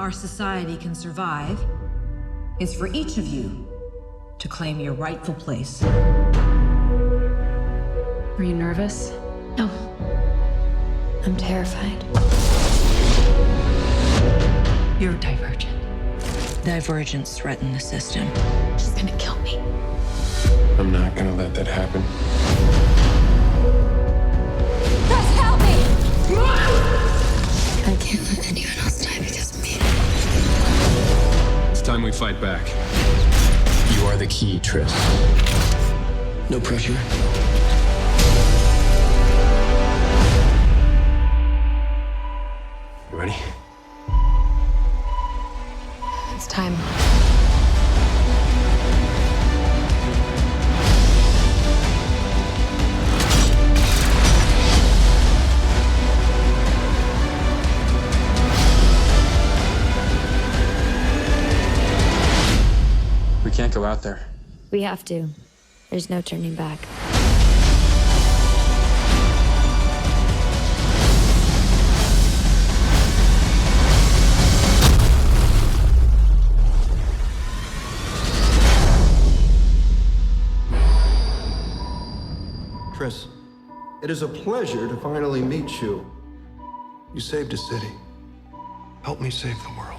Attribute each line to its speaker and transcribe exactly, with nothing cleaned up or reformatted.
Speaker 1: our society can survive is for each of you to claim your rightful place.
Speaker 2: Were you nervous?
Speaker 3: No. I'm terrified.
Speaker 1: You're divergent. Divergents threaten the system.
Speaker 3: She's gonna kill me.
Speaker 4: I'm not gonna let that happen.
Speaker 3: Chris, help me! I can't let anyone else die because of me.
Speaker 4: It's time we fight back. You are the key, Triss. No pressure. You ready?
Speaker 3: It's time.
Speaker 4: We can't go out there.
Speaker 3: We have to. There's no turning back.
Speaker 5: Triss, it is a pleasure to finally meet you. You saved a city. Help me save the world.